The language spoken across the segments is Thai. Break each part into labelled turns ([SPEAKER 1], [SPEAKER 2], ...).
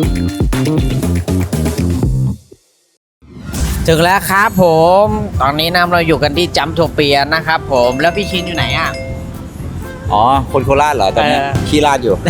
[SPEAKER 1] ถึงแล้วครับผมตอนนี้นะเราอยู่กันที่จัมโทเปียนะครับผมแล้วพี่ชินอยู่ไหนอ่ะ
[SPEAKER 2] อ๋อคนโคราชเหรอตอนนี้ขี้ราดอยู่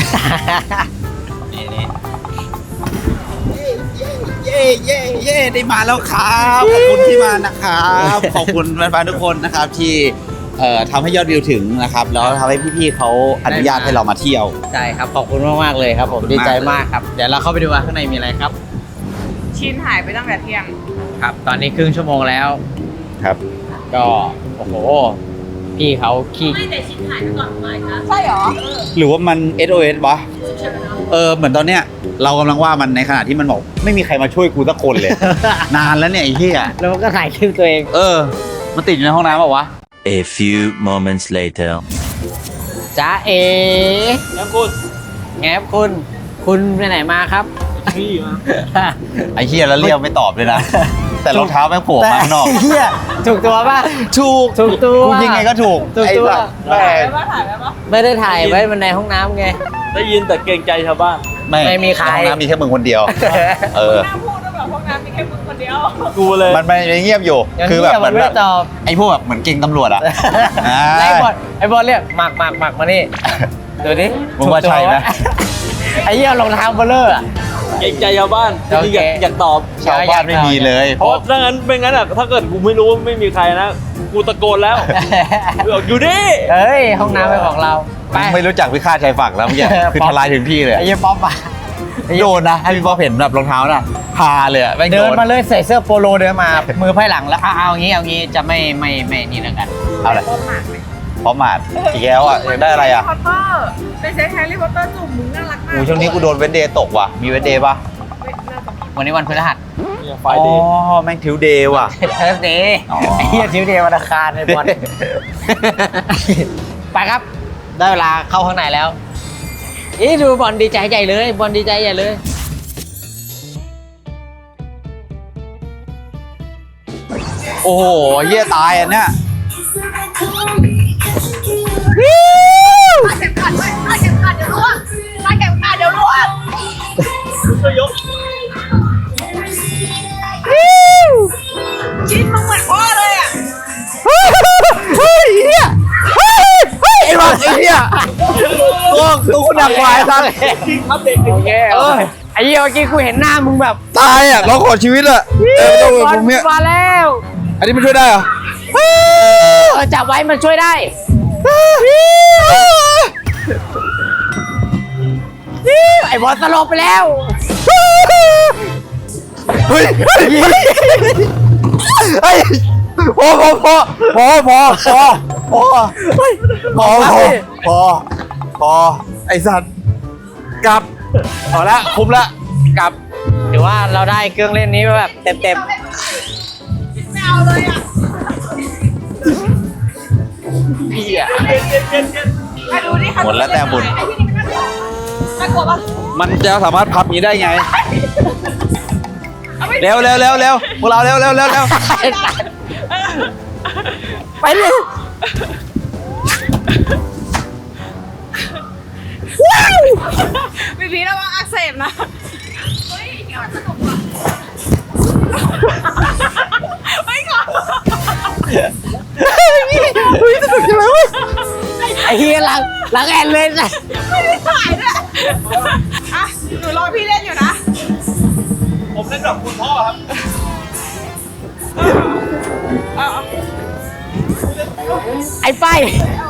[SPEAKER 2] เย่ได้มาแล้วครับขอบคุณที่มานะครับขอบคุณแฟนๆทุกคนนะครับที่ทำให้ยอดวิวถึงนะครับแล้วทำให้พี่ๆเขาอนุญาตให้เรามาเที่ยว
[SPEAKER 1] ใช่ครับขอบคุณมากๆเลยครับผมดีใจมากครับเดี๋ยวเราเข้าไปดูว่าข้างในมีอะไรครับ
[SPEAKER 3] ชินหายไปตั้งแต่เที่ยง
[SPEAKER 1] ครับตอนนี้ครึ่งชั่วโมงแล้ว
[SPEAKER 2] ครับ
[SPEAKER 1] ก็โอ้โหพี่เขาขี้
[SPEAKER 3] ไม่แต่ชินหายไปก่อนบ่ายนะใช่เหรอ
[SPEAKER 2] หรือว่ามัน SOS วะเหมือนตอนเนี้ยเรากำลังว่ามันในขณะที่มันบอกไม่มีใครมาช่วยกูสักคนเลย นานแล้วเนี่ยไอ้เหี้ย
[SPEAKER 1] แล้วมันก็ถ่ายคลิปตัวเอง
[SPEAKER 2] มันติดอยู่ในห้องน้ำเปล่าวะ
[SPEAKER 4] A few moments later.
[SPEAKER 1] จ้าเอ
[SPEAKER 5] แล้วคุณ
[SPEAKER 1] แงบคุณไปไหนมาครับ
[SPEAKER 5] พี่มา
[SPEAKER 2] ไอ้เหี้ยแล้วเรียกไม่ตอบเลยนะ แต่รองเท้าแม่งโผล่มาข้างนอก
[SPEAKER 1] เฮียถูกตัวป่ะ
[SPEAKER 2] ถูก
[SPEAKER 1] ถูกตัว
[SPEAKER 2] กูยังไงก็ถูก
[SPEAKER 1] ถูกตัว
[SPEAKER 2] ไอ้สัตว์แม่
[SPEAKER 3] ถ่ายไปปะถ่ายไปปะ
[SPEAKER 1] ไม่ได้ถ่ายไว้มันในห้องน้ำไง
[SPEAKER 5] ได้ยินแต่เกรงใจชาวบ้าน
[SPEAKER 1] ไม่มีใคร
[SPEAKER 2] ในห้องน้ำมีแค่มึงคนเดียว เออ
[SPEAKER 3] น่าพูดว่าแบบพวกนั้นมีแค่มึงคนเดียว
[SPEAKER 5] กูเลย
[SPEAKER 2] มันไม่เงียบอยู่ คือแบบเหมือน
[SPEAKER 1] ไม่
[SPEAKER 2] แบ
[SPEAKER 1] ได้
[SPEAKER 2] บ
[SPEAKER 1] ตอบ
[SPEAKER 2] ไอ้พวกแบบเหมือนเก่งตำรวจอะ
[SPEAKER 1] ไอ้บอลเรียกหมักมานี่ดูดิ
[SPEAKER 2] มึงว่าใช่ไหม
[SPEAKER 1] ไอ้เหี้ยรองเท้าเบลเลอร์อะ
[SPEAKER 5] เกรงใจชาวบ้านจริงๆอยากตอบ
[SPEAKER 2] ชาวบ้านไม่มีเลย
[SPEAKER 5] เพราะถ้างั้นเป็นงั้นอ่ะถ้าเกิดกูไม่รู้ว่าไม่มีใครนะ กูตะโกนแล้วบอกอยู่ดิ
[SPEAKER 1] เฮ้ยห้องน้ำเป็นของเราไป
[SPEAKER 2] ไม่รู้จักพิฆาตชายฝั่งแล้วเมื่อกี้คือทลายถึงที่เลย
[SPEAKER 1] ไอ้เหี้ยป๊อปอะ
[SPEAKER 2] โดนนะให้พี่ป๊อปเห็นแบบรองเท้าน่ะพาเลยอะแม่ง
[SPEAKER 1] เดิ
[SPEAKER 2] โด
[SPEAKER 1] น
[SPEAKER 2] น
[SPEAKER 1] มาเลยใส่เสื้อโปโลเดินมา มือไพ่หลังแล้วเอางี้จะไม่นี่แล้วกัน
[SPEAKER 2] เอาเลย
[SPEAKER 3] พบหมากไหม
[SPEAKER 2] พร้อมหมาดอีกแล้วอ่ะอยากได้อะไรอ่ะ
[SPEAKER 3] แฮร์รี่พอตเตอร์เป็นเซ็ตแฮร์รี่พอตเตอร์จุ่มมึงน่ารักมาก
[SPEAKER 2] โอ้ช่วงนี้กูโดนเวนเดย์ตกว่ะมีเวนเดย์ป่ะ
[SPEAKER 3] ไม่น่าจะมี
[SPEAKER 1] วันนี้วันพฤหัส
[SPEAKER 5] เนี่ยไฟ
[SPEAKER 2] อ๋อ
[SPEAKER 5] เดย์
[SPEAKER 2] แม่งทิวเดย์ว่ะ
[SPEAKER 1] เทสเดย์
[SPEAKER 2] อ๋อ
[SPEAKER 1] ไอ้เหี้ยทิวเดย์วันอังคารในบอล ไปครับได้เวลาเข้าข้างในแล้วอีดูบอลดีใจใหญ่เลยบอลดีใจใหญ่เลย
[SPEAKER 2] โอ้โหเหี้ยตายอันเนี้ย
[SPEAKER 3] เข็มขัดไว้เข็มขัดเดี๋ยวร่วงเข็มขัดเดี๋ยวร่วง
[SPEAKER 5] ก็ยก
[SPEAKER 3] ชินมึงเหมือนพ่อเลยอ่ะ
[SPEAKER 2] เฮ้ยเหี้ยไอ้บ้าไอ้เหี้ยตัวคุณดักควายซะ
[SPEAKER 5] อัปเดต
[SPEAKER 1] โอเคไอ้เหี้ยเมื่อกี้กูเห็นหน้ามึงแบบ
[SPEAKER 2] ตายอ่ะร้องขอชีวิตอ่ะต้อง
[SPEAKER 1] บอล
[SPEAKER 2] ผมเนี่ย
[SPEAKER 1] มาแล้ว
[SPEAKER 2] อันนี้มันช่วยได้เหรอ
[SPEAKER 1] จับไว้มันช่วยได้ไอ้บอลสลบไปแล้ว
[SPEAKER 2] เฮ้ยเฮ้ยพอไอสัตว์กลับพอละคุ้มละกลับ
[SPEAKER 1] หรือว่าเราได้เครื่องเล่นนี้แบบเต็ม
[SPEAKER 3] ไม่เอาเลยอ่ะ
[SPEAKER 1] พี่อ่ะ
[SPEAKER 3] มาดูนี่ค่ะ
[SPEAKER 2] หมดแล้วแต่บุญ
[SPEAKER 3] ไอ้ที่นี่มันน่ากลัวปะ
[SPEAKER 2] มันจะสามารถพับนี้ได้ไง
[SPEAKER 3] เอาไป
[SPEAKER 2] เร็วพวกเราเร็ว
[SPEAKER 1] ไปเลย
[SPEAKER 3] พี่พีระวังอักเสบนะเฮ้ยเดี๋ยวสนุกว่ะไม่ก่อน
[SPEAKER 1] ไอ้เฮียหลังแอนเลยนะ
[SPEAKER 3] ไม่ได้ถ่ายด้วยอ่ะหนูรอพี่เล่นอยู่นะ
[SPEAKER 5] ผมเล่นแบบคุณพ่อครับ
[SPEAKER 3] เอา
[SPEAKER 1] ไอ้ป้าย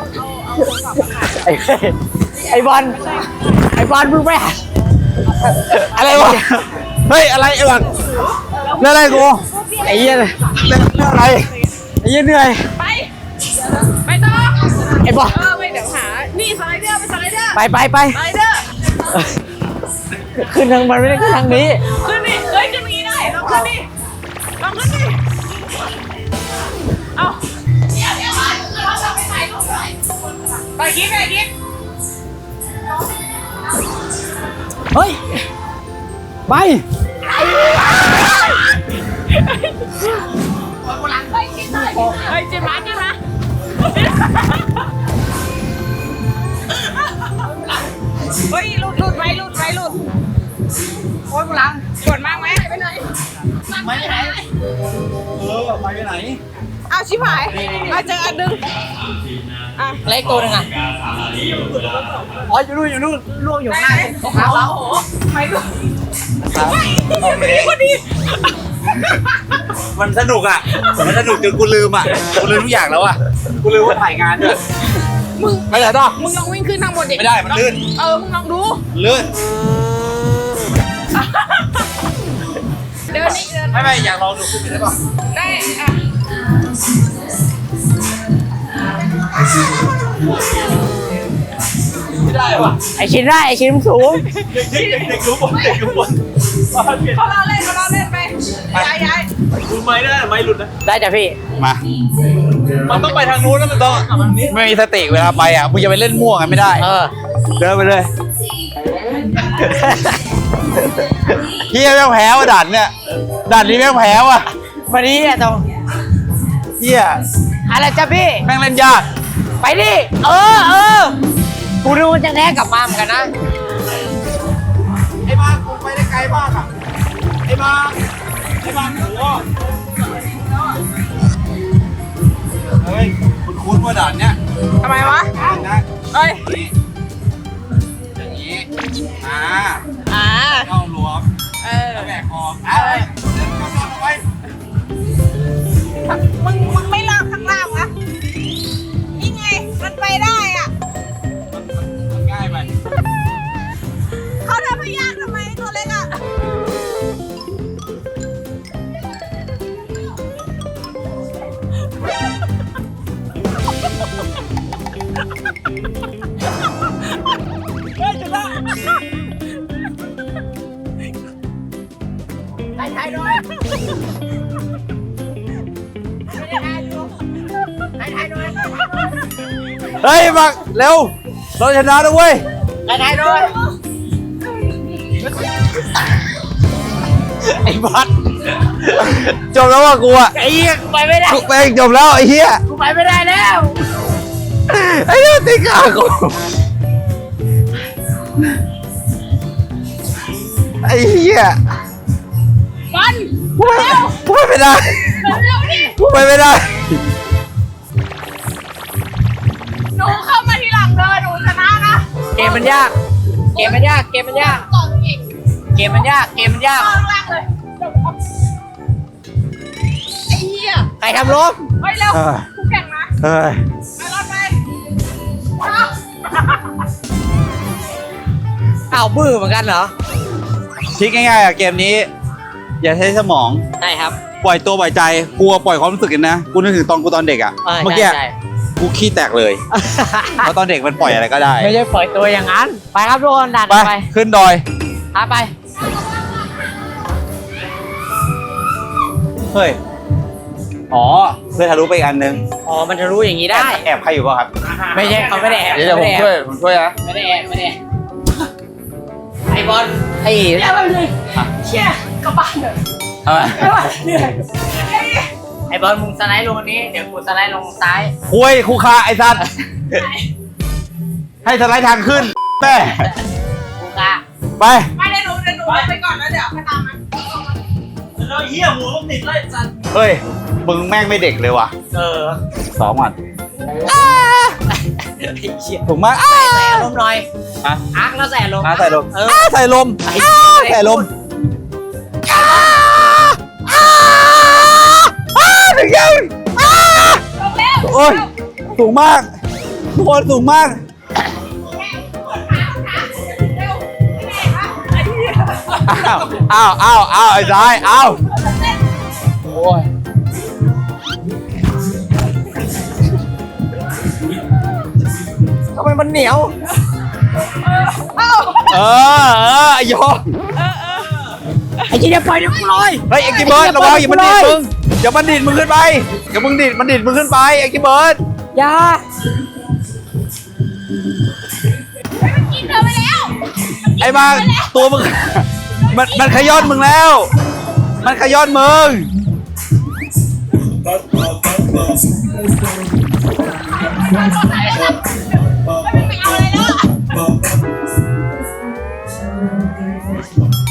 [SPEAKER 1] ไอ้บอลมึงไปหา
[SPEAKER 2] อะไรวะเฮ้ยอะไรไอ้หลังเรื่องอะไรกู
[SPEAKER 1] ไอ้เหี้ย
[SPEAKER 2] เรื่องอะไร
[SPEAKER 1] ไอ้เหี้ยเหนื่อย
[SPEAKER 3] ไปไปต่อ
[SPEAKER 1] ไอ้บอล
[SPEAKER 3] ไม่เดี๋ยวหานี่สไลเดอร์ไปสไลเดอร์
[SPEAKER 1] ไป
[SPEAKER 3] สไลเดอร์
[SPEAKER 1] ขึ้นทางมันไม่ได้ขึ้นทางนี้
[SPEAKER 3] ขึ้นดิเฮ้ยขึ้นอย่างนี้ได้ลองขึ้นดิลองขึ้นดิเอาเดี๋ยวเราจะไปถ่ายรูปหน่อยไปกิ๊ก
[SPEAKER 1] เฮ้ยไป
[SPEAKER 3] เฮ้ยจิ้มมาเฮ้ยหลุดโอ๊ยกูล้างกดมากไหมไปไหน
[SPEAKER 2] ไม่ไปไหนไปไหน
[SPEAKER 3] เอาชิบหายมาเจออันนึงอ่ะ
[SPEAKER 1] เล็กตัวหนึงอ่ะอ๋ออยู่นู่นล่วงอยู่ข้างหน้าขาวแล้ว
[SPEAKER 3] ไม่ดู
[SPEAKER 2] พอดีมันสนุกอ่ะมันสนุกจนกูลืมอ่ะกูลืมทุกอย่างแล้วอ่ะกูลืมว่าถ่ายงานด้วย
[SPEAKER 3] มึง
[SPEAKER 2] ไปไหนต่อ
[SPEAKER 3] มึงลองวิ่งขึ้นทางบนดิ
[SPEAKER 2] ไม่ได้มันลื่น
[SPEAKER 3] มึงลองดู
[SPEAKER 2] ลื่น
[SPEAKER 3] เดินนี่เดิน
[SPEAKER 2] ไม่อยากลองดูขึ้นไปได้ป่ะ
[SPEAKER 3] ได้อ่ะ
[SPEAKER 2] ไม่ได้ว่ะ
[SPEAKER 1] ไอชิ้นได้ไอชิ้นสูง
[SPEAKER 2] เด็กรู้บนเด็กรู้บน
[SPEAKER 3] เขาเราเล่นไปย้าย
[SPEAKER 5] ดูไม้ได้ไม้หลุดนะ
[SPEAKER 1] ได้จ้ะพี่
[SPEAKER 2] มา
[SPEAKER 5] มันต้องไปทางนู้นแล้วมันต้อง
[SPEAKER 2] ไม่มีสติเวลาไปอ่ะมึงจะไปเล่นมั่วกันไม่ได้ เดินไปเลยเฮียแม่งแพ้ว่ะด่านเนี่ยด่านนี้แม่งแพ้ว่ะ
[SPEAKER 1] วันนี้อะตรง
[SPEAKER 2] เฮีย
[SPEAKER 1] อะไรจ้ะพี่
[SPEAKER 2] แม่งเล่นยาก
[SPEAKER 1] ไปดิกูดูมันจะแท้กลับมาเหมือนกันนะ
[SPEAKER 2] ไอ้บ้ากูไปได้ไกลมากอ่ะไอ้บ้าโหเฮ้ยคุ้นว่าด่านเนี้ย
[SPEAKER 3] ทำไมวะ
[SPEAKER 2] นะ
[SPEAKER 3] เอ้ย
[SPEAKER 2] อย่างนี้อ่า เข้าหลวมแล้วแบกคอไปเดินเข้าไป
[SPEAKER 3] มึงไม่ลากข้างล่างวะนี่ไงมันไปได้อ่ะ
[SPEAKER 2] มันง่ายไป
[SPEAKER 3] เขาทำให้ยากทำไมตัวเล็กอ่ะ
[SPEAKER 2] เฮ้ยมาเร็วเราชนะแล้วเว้ย
[SPEAKER 1] ถ่ายด้วย
[SPEAKER 2] ไอ้บัสจบแล้วว่ะกูอ่ะ
[SPEAKER 1] ไอ้เหี้ยกูไปไม่ได้
[SPEAKER 2] กูแม่งจบแล้วไอ้เหี้ย
[SPEAKER 1] กูไปไม่ได้แล้ว
[SPEAKER 2] ไอ้เหี้ยติดขากูไอ้เหี้ย
[SPEAKER 3] บอล
[SPEAKER 2] กูไปไม่ได้
[SPEAKER 3] เร็วดิ
[SPEAKER 2] กูไปไม่ได้
[SPEAKER 3] หนูเข้ามาทีหลังเลยหนูชนะนะ
[SPEAKER 1] เกมมันยาก เกมมันยาก
[SPEAKER 3] ต่ออีก
[SPEAKER 1] เกมมันยาก
[SPEAKER 3] ต่อข้างล่างเลยไอ้เหี้ย
[SPEAKER 1] ใครทำล้ม
[SPEAKER 3] เฮ้ยเร็วกูแข่งนะ
[SPEAKER 2] เฮ้ย
[SPEAKER 3] ไปรอดไป
[SPEAKER 1] อ้าวบื้อเหมือนกันเหรอ
[SPEAKER 2] คิดง่ายๆอ่ะเกมนี้ อย่าใช้สมอง
[SPEAKER 1] ใช่ครับ
[SPEAKER 2] ปล่อยตัวปล่อยใจกลัวปล่อยความรู้สึกกันนะกูนึกถึงตอนกูตอนเด็กอ่ะเมื่อกี้
[SPEAKER 1] ใช่
[SPEAKER 2] กูขี้แตกเลยเพราะตอนเด็กมันปล่อยอะไรก็ได้
[SPEAKER 1] ไม่ใช่ปล่อยตัวอย่างนั้น ไปครับทุกคนดัน
[SPEAKER 2] ไป
[SPEAKER 1] ไป
[SPEAKER 2] ขึ้นดอย
[SPEAKER 1] ไป
[SPEAKER 2] เฮ้ยอ๋อเพื่อทะลุไปอีกอันนึง
[SPEAKER 1] อ๋อ มันจะรู้อย่างนี้ได้
[SPEAKER 2] แอบใครอยู่ป่ะครับ
[SPEAKER 1] ไม่ใช่เขาไม่ได้แอบ
[SPEAKER 2] เดี๋ยวผมช่วยนะ
[SPEAKER 1] ไม่ได้แอบไอ้บอลไอ้
[SPEAKER 3] เร็วเลยเชี่ยกลับบ้านเลย
[SPEAKER 2] เอามา
[SPEAKER 3] เหนื่อย
[SPEAKER 1] ไอ้บอลมึงสไลด์ลงอันนี้ เดี๋ยวกูสไลด์ลงซ้าย
[SPEAKER 2] คุยครูคาไอ้สัตว์ให้สไลด์ทางขึ้นแม่
[SPEAKER 1] กูกะ
[SPEAKER 2] ไป
[SPEAKER 3] ไม่ได้หนูไปก่อนแล้วเดี๋ยวค่อยตามมา
[SPEAKER 5] แล้วเหี้ยหัวมันติดไล่สัตว์
[SPEAKER 2] เฮ้ยมึงแม่งไม่เด็กเลยว่ะ สองวัน
[SPEAKER 1] ไอ้เชี่ย
[SPEAKER 2] ถูกมาก
[SPEAKER 1] ใส่อารมณ์หน่อย
[SPEAKER 2] ฮะ
[SPEAKER 1] อาร์คแล้วใส่อารมณ์
[SPEAKER 2] ใส่ลม
[SPEAKER 1] เออ
[SPEAKER 2] ใส่ลม
[SPEAKER 1] ไอ้
[SPEAKER 2] ใส่ลมถึงยัง
[SPEAKER 3] ลงแล้ว
[SPEAKER 2] โอ้ยสูงมากทุกคนสูงมาก
[SPEAKER 3] เร็วแม่คะไอ้เหี้ย
[SPEAKER 2] อ้าวไอ้ซ้ายอ้าวโอ้ย
[SPEAKER 1] ทำไมมันเหนียว
[SPEAKER 2] ไอ้ยอ
[SPEAKER 1] ไอ้เชี่ยปล่อยเดี๋ยวกูลอย
[SPEAKER 2] เฮ้ยไอ้กิเบิร์ดระวังอย่ามันดีดมึงอย่ามันดีดมึงขึ้นไปอย่ามึงดีดมันดีดมึงขึ้นไปไอ้กิเบิร์ด
[SPEAKER 1] อย่า
[SPEAKER 3] กินเธอไปแล้ว
[SPEAKER 2] ไอ้บางตัวมึงมันขย้อนมึงแล้ว มันขย้อนมึง
[SPEAKER 3] ไม่เอาอะไรแล้ว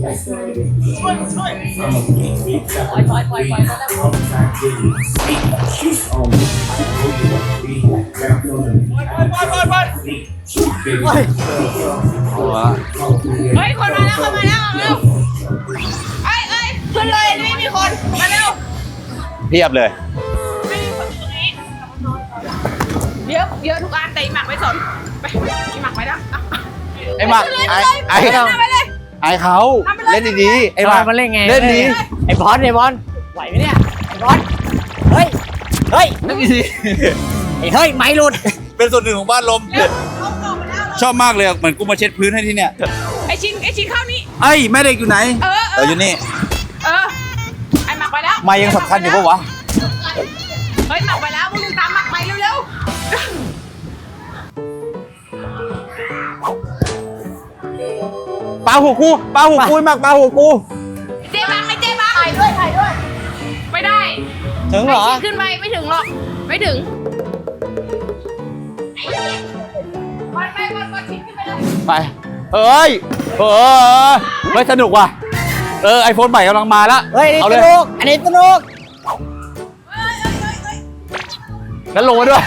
[SPEAKER 3] เฮ้ยคนมาแล้วคนมาแล้วเร็วเอ้ยขึ้นเลยไม่มีคนมาเร็ว
[SPEAKER 2] เพียบเลย
[SPEAKER 3] ไม่มีคนอยู่ตรงนี้เยอะทุกอันแต่อีหมักไม่สนไปอีหมักไปแล้ว
[SPEAKER 2] ไอ้หมักไอ้
[SPEAKER 3] ไปเลย
[SPEAKER 2] ไอ้เขาเล่นดีๆไอ้ห
[SPEAKER 1] บ
[SPEAKER 2] มั
[SPEAKER 1] อล
[SPEAKER 2] ก
[SPEAKER 1] มาเล่นไง
[SPEAKER 2] เล่นดี
[SPEAKER 1] ไอ้บอลไหวไหมเนี่ยไอ้บอลเฮ้ยเฮ้ย
[SPEAKER 2] เล่นดี
[SPEAKER 1] ไอ้เฮ้ยไม่หลุด
[SPEAKER 2] เป็นส่วนหนึ่งของบ้านลม
[SPEAKER 3] เร็วเขาออกมาแล้ว
[SPEAKER 2] ชอบมากเลยเหมือนกูมาเช็ดพื้นให้ที่เนี่ย
[SPEAKER 3] ไอชิ้นเข้านี่
[SPEAKER 2] ไอ้แม่เด็กอยู่ไหน อยู่นี่
[SPEAKER 3] ไอหมักไปแล้ว
[SPEAKER 2] มายังสำคัญอยู่ปะวะ
[SPEAKER 3] เฮ้ยหมักไปแล้วมึงตามหมักไปเร็ว
[SPEAKER 2] ปลาหัวกูหมักปลาหัวกู
[SPEAKER 3] ๆเจ๊บังถ่ายด้วยไม่ได้
[SPEAKER 1] ถึงเหรอ
[SPEAKER 3] ไอชิ้นขึ้นไปไม่ถึงหรอกไม่ถึงวันชิ้นขึ้นไปเลย
[SPEAKER 2] ไปเฮ้ยไม่สนุกว่ะไอโฟนใหม่กำลังมาแล้ว
[SPEAKER 1] เฮ้ย
[SPEAKER 2] เอา
[SPEAKER 1] นี่
[SPEAKER 2] เล
[SPEAKER 1] ส
[SPEAKER 2] ย
[SPEAKER 1] นุกอันนี้สนุก
[SPEAKER 2] งั้นลงมาด้วย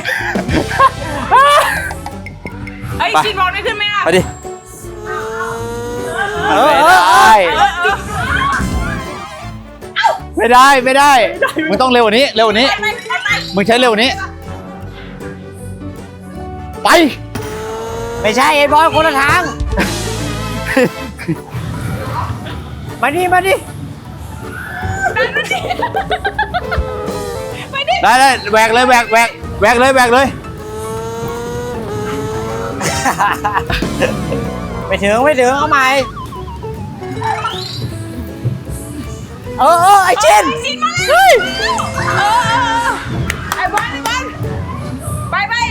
[SPEAKER 3] ไอชิ้นบอลไม่ขึ้นไหมอ่ะ
[SPEAKER 2] ไปดิ ไม่ได้มึงต้องเร็วกว่านี้มึงใช้เร็วกว่านี้ไป
[SPEAKER 1] ไม่ใช่ไอ้บอลคนละทางมาดิ
[SPEAKER 3] ไปดิ
[SPEAKER 2] ได้แหวกเลย
[SPEAKER 1] ไม่ถึงเอาใหม่ไอ้เจน
[SPEAKER 3] ชิ้นมาเลยไอบอลไป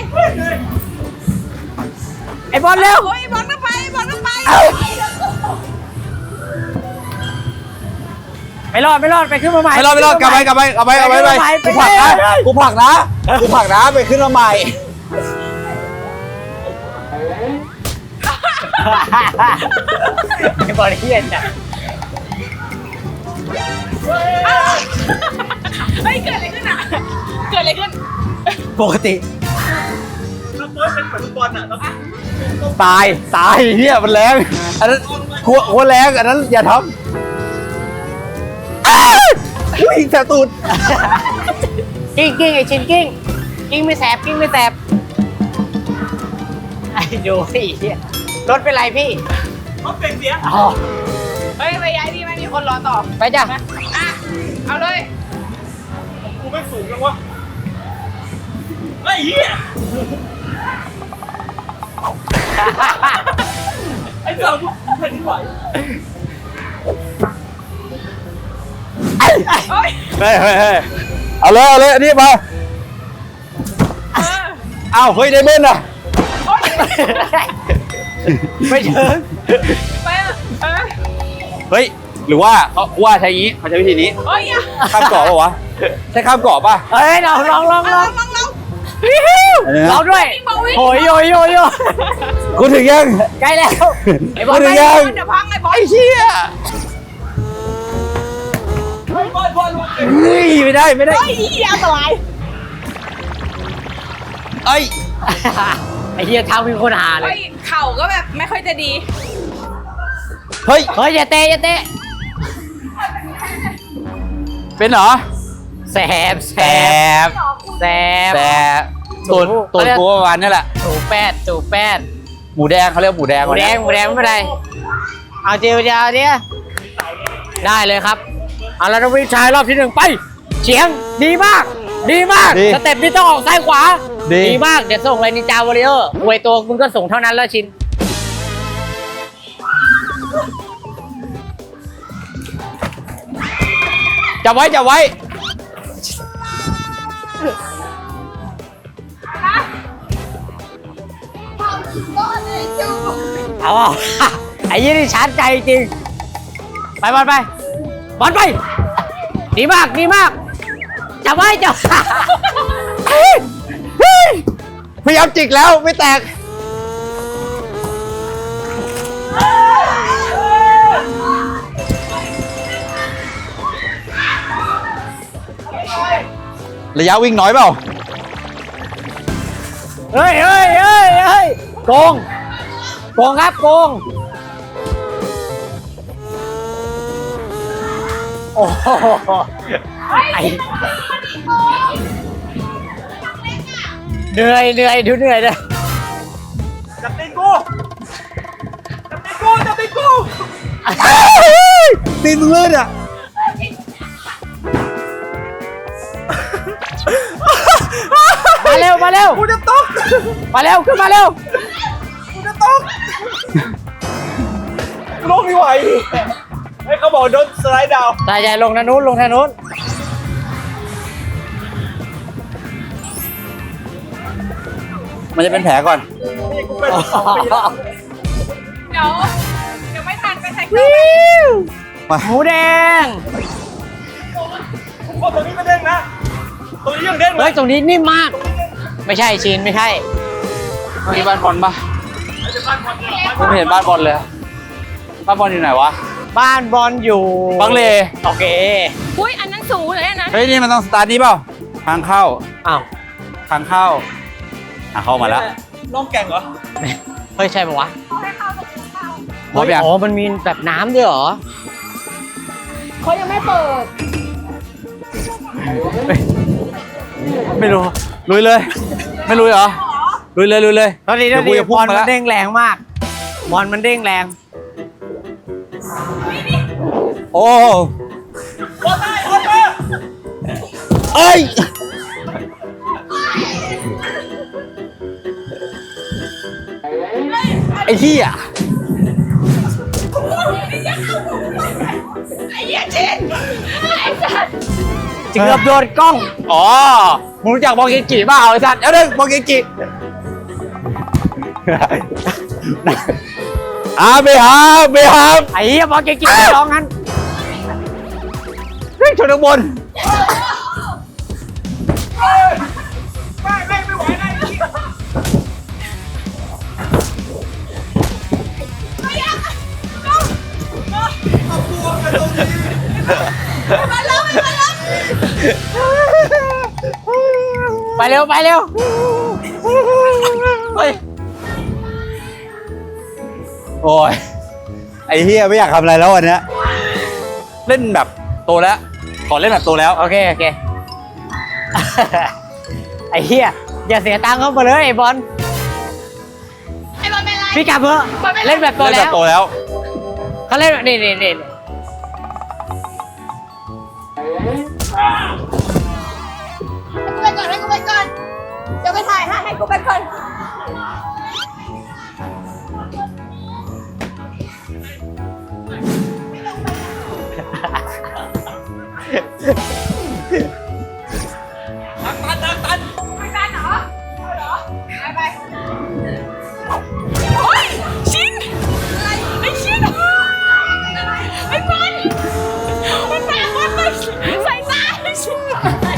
[SPEAKER 1] ไอ้บอลเร็ว
[SPEAKER 3] โอ้ยบอลก็ไป
[SPEAKER 1] ไม่รอดไปขึ้นมาใหม่
[SPEAKER 2] ไม่รอดกลับไปกูผลักนะไปขึ้นมาใหม่
[SPEAKER 1] ไอ้บอลเฮียจ้ะ
[SPEAKER 3] เฮ้ยเกิดอะไรขึ้นอ่ะเกิดอะไรขึ้น
[SPEAKER 1] ปกติ
[SPEAKER 2] ตายเฮียมันแรงอันนั้นหัวแรงอันนั้นอย่าทำอุ้ยแสบตูด
[SPEAKER 1] กิ้งไอ้ชินกิ้งไม่แสบไอ้ดูไอ้เหี้ยรถเป็นไรพี่รถเป็นเสียอ๋อ
[SPEAKER 3] เฮ้ยไปย้ายที่ไม่มีคนรอต่อ
[SPEAKER 1] ไปจ้ะ
[SPEAKER 3] เอาเลย
[SPEAKER 5] กูไม่สูงจังวะไอ้เหี้ยไอ้เจ้ากูแผ่นดินไหว
[SPEAKER 3] เฮ้ย
[SPEAKER 2] เฮ้ยเอาเลยอันนี้มาอ้าวเฮ้ยได้เบิ้ลอ่ะ
[SPEAKER 1] ไม่ถึง
[SPEAKER 3] ไป
[SPEAKER 2] เฮ้ยหรือว่าเขาใช้งี้เขาใช้วิธีนี้
[SPEAKER 3] เฮ้ย
[SPEAKER 2] ข้ามเกาะป่ะวะใช่ข้ามเกาะป่ะ
[SPEAKER 1] เฮ้ยลองลองด้วยโอ้ยโย
[SPEAKER 2] กูถึงยัง
[SPEAKER 1] ใกล้แล้วไอ้บอล
[SPEAKER 2] กูถึ
[SPEAKER 1] ไป
[SPEAKER 2] งยัง
[SPEAKER 3] เดี๋ยวพังไอ้บอล
[SPEAKER 2] ไอ้เชี่ย เฮ้ยไม่ได้
[SPEAKER 3] เฮ้ยอันตราย
[SPEAKER 2] เอ้ย
[SPEAKER 1] ไอ้เหี้ยเท้ามีคนหาเล
[SPEAKER 3] เฮ้
[SPEAKER 1] ย
[SPEAKER 3] ยเข่าก็แบบไม่ค่อยจะดี
[SPEAKER 2] เฮ้ย
[SPEAKER 1] อย่าเตะ
[SPEAKER 2] เป็นเหรอ
[SPEAKER 1] แสบ
[SPEAKER 2] ตัวกูประมาณนี้แหละ
[SPEAKER 1] จูแป้ด
[SPEAKER 2] หมูแดงเขาเรียกหมูแดง
[SPEAKER 1] หมูแดงไม่เป็นไรเอาเจียวเนี่ยได้เลยครับเอาแล้วนักวิ่งชายรอบที่1ไปเฉียงดีมากสเต็ปนี้ต้องออกซ้ายขวาดีมากเดี๋ยวส่งเลยนินจาวอริเออร์อวยตัวมึงก็ส่งเท่านั้นแล้วชิน
[SPEAKER 2] จับไว้
[SPEAKER 1] เอา ไอ้ยี่นี่ชาร์จใจจริงไปบอลไปดีมากจับไว้
[SPEAKER 2] พยายามจิกแล้วไม่แตกระยะวิ่งน้อยเปล่า
[SPEAKER 1] เฮ้ยเฮ้ยเฮ้ยเฮ้ยโกงโกงครับโกงโอ้โหไอเหนื่อยเหนื่อยดูเหนื่อยเลย
[SPEAKER 5] จับตีนกูจับตีนกูจับตีนกู
[SPEAKER 2] ตีนมึงลื่นอ่ะ
[SPEAKER 1] มาเร็วมาเร็ว
[SPEAKER 5] กูจะตก
[SPEAKER 1] มาเร็วขึ้นมาเร็ว
[SPEAKER 5] กูจะตกลงไม่ไหวเฮ้ยเขาบอกโดนสไลด์ดาวน์
[SPEAKER 1] ใช่ใช่ลงทางนู้นลงทางนู้น
[SPEAKER 2] มันจะเป็นแผลก่อน
[SPEAKER 5] นี่กูเป็นมา2 ปีแล้ว
[SPEAKER 3] เดี๋ยวไม่ทันไปไทย
[SPEAKER 1] วิว
[SPEAKER 2] มา
[SPEAKER 1] หมูแดง
[SPEAKER 5] ทุกคนตรงนี้ไม่เด้งนะตรงนี้ยังเด้งเล
[SPEAKER 1] เฮ้ย
[SPEAKER 5] ย
[SPEAKER 1] ตรงนี้นิ่มมาก ไม่ใช่ชินไม่ใช่
[SPEAKER 2] มีบ้านบอลปะกูไม่เห็นบ้านบอลเลย บ้านบอลอยู่ไหนวะ
[SPEAKER 1] บ้านบอลอยู่
[SPEAKER 2] บางเล
[SPEAKER 1] โอเค
[SPEAKER 3] อุ้ยอันนั้นสูงเลยอันนั้น
[SPEAKER 2] เฮ้ยนี่มันต้องสตาร์ทนี่เปล่า ทางเข้า
[SPEAKER 1] อ้าว
[SPEAKER 2] ทางเข้าเข้ามาแล้ว
[SPEAKER 5] น้องแก่งเหรอ
[SPEAKER 1] เฮ้ยใช่ปะวะ
[SPEAKER 2] พร้อมยัง
[SPEAKER 1] อ๋อมันมีแบบน้ำด้วยเหรอ
[SPEAKER 3] เขายังไม่เปิด
[SPEAKER 2] ไม่รู้ ลุยเลย ไม่ลุยเหรอ ลุยเลยลุยเลย
[SPEAKER 1] ตอนนี้
[SPEAKER 2] เดี๋ยวกูจะ
[SPEAKER 1] บ
[SPEAKER 2] พุ่ง
[SPEAKER 1] อล
[SPEAKER 2] มา
[SPEAKER 1] มั
[SPEAKER 2] แล้
[SPEAKER 1] น
[SPEAKER 2] ว
[SPEAKER 1] เด้งแรงมาก บอลมันเด้งแรง
[SPEAKER 2] โอ้
[SPEAKER 5] โอ้ได้โอ้ได้
[SPEAKER 2] เอ้ย ไอ้เหี้ย
[SPEAKER 3] ไอ้เหี้ยชินไอ้สัส
[SPEAKER 1] เกือบโดนกล้อง
[SPEAKER 2] อ๋อ มึงรู้จักบอกเกจิเปล่าไอ้สัตว์เอาเด้บอกเกจิไม่ครับ
[SPEAKER 1] ไอ้เหี้ยบอลเก่งๆไปร้องงั้น
[SPEAKER 2] เฮ้ยชนข้างบน
[SPEAKER 5] ไม่ไหวได้จริง
[SPEAKER 1] ไปเร็วไปเร็วเฮ้ย
[SPEAKER 2] โอ้ย ไอ้เฮียไม่อยากทำอะไรแล้ววันเนี้ยเล่นแบบโตแล้ว ขอเล่นแบบโตแล้ว
[SPEAKER 1] โอเคโอเค ไอ้เหี้ยอย่าเสียตังค์เข้ามาเลยไอ้บอล
[SPEAKER 3] ไอ้บอลเป็นไร
[SPEAKER 1] พี่กลับเถอะเล่นแบบโต
[SPEAKER 2] เล่น
[SPEAKER 1] แล้
[SPEAKER 2] แบบ
[SPEAKER 1] ว
[SPEAKER 2] โตแล้ว
[SPEAKER 1] เขาเล่นนี่นี่นี่
[SPEAKER 3] ให้กูไปก่อนเดี๋ยวไปถ่ายให้กูไปก่อน
[SPEAKER 5] ตัน
[SPEAKER 3] ไม่ทันเหรอไปโอ้ยชินอะไรไอ้ชินไอ้บอลมันตามบอลมาใส่ตาไอ้ชิน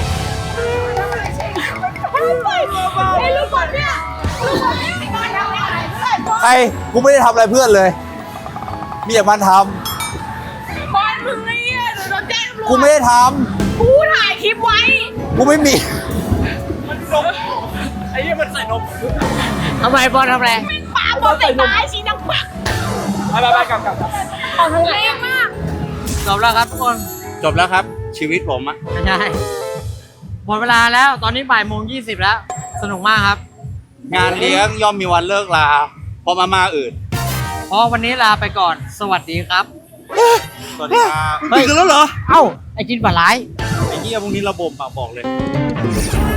[SPEAKER 3] ไอ้ลูกบอลเนี่ยลูกบอลเนี่ยไอ้บอลทำอะไรเพื่อนบอล
[SPEAKER 2] ใคร กูไม่ได้ทำอะไรเพื่อนเลย มีแต่มันท
[SPEAKER 3] บอลมึงไอ้เนี่ยเดี๋ยวโดนแจ้งตำรวจ
[SPEAKER 2] ำ กูไม่ได้ท
[SPEAKER 3] กูถ่ายคลิปไว้
[SPEAKER 2] ำ กูไม่มี
[SPEAKER 5] มันนมไอ้เหี้ยมันใส่นม
[SPEAKER 1] ทำไมบอลทำอะไร
[SPEAKER 3] ปาบอลใส่ตาไอ้ชินดังปัก
[SPEAKER 5] ไปกลับ
[SPEAKER 3] ออกทางไหนมาก
[SPEAKER 1] จบแล้วครับทุกคน
[SPEAKER 2] จบแล้วครับ ชีวิตผมอะ
[SPEAKER 1] ไม่ใช่หมดเวลาแล้วตอนนี้บ่ายโมง20แล้ว สนุกมากครับ
[SPEAKER 2] งานเลี้ยงย่อมมีวันเลิกลาเพราะมาอื่น
[SPEAKER 1] เพราะวันนี้ลาไปก่อน สวัสดีครับ
[SPEAKER 2] สวัสดีครับ
[SPEAKER 1] เฮ้ย
[SPEAKER 2] ตื่นกันแล้วเหรอ
[SPEAKER 1] เอ้า ไอ้จินปลาไหล
[SPEAKER 2] ไอ้เหี้ยพวกนี้ระบบอะบอกเลย